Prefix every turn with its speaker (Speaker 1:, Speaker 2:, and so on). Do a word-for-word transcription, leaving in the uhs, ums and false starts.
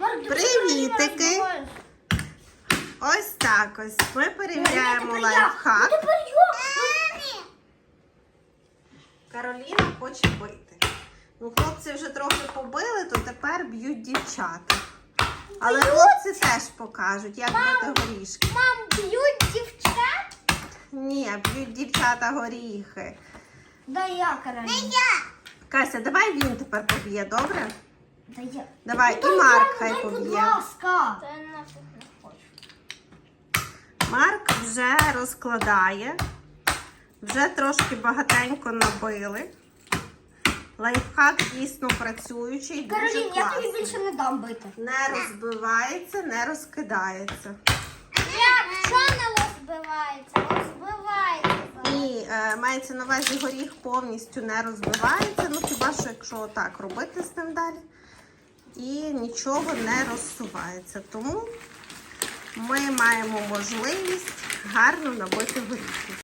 Speaker 1: Привітики! Ось так ось. Ми перевіряємо лайфхак. Кароліна хоче бити. Ну, хлопці вже трохи побили, то тепер б'ють дівчата. Але хлопці теж покажуть, як бити горішки.
Speaker 2: Мам, б'ють дівчат?
Speaker 1: Ні, б'ють дівчата горіхи.
Speaker 2: Да я, Кароліна.
Speaker 1: Кася, давай він тепер поб'є, добре?
Speaker 2: Да я.
Speaker 1: Давай,
Speaker 2: Ну,
Speaker 1: і Марк
Speaker 2: дай,
Speaker 1: хай
Speaker 2: будь
Speaker 1: поб'є.
Speaker 2: ласка. Та я нафіг не хочу.
Speaker 1: Марк вже розкладає. Вже трошки багатенько набили. Лайфхак дійсно працюючий, дуже
Speaker 2: Каролін, я тобі
Speaker 1: класний.
Speaker 2: більше не дам бити.
Speaker 1: Не розбивається, не розкидається.
Speaker 2: Як? Що не розбивається? Розбивається.
Speaker 1: І е, мається на увазі, горіх повністю не розбивається, ну хіба що якщо отак робити з ним далі. І нічого не розсувається. Тому ми маємо можливість гарно набити горіхи.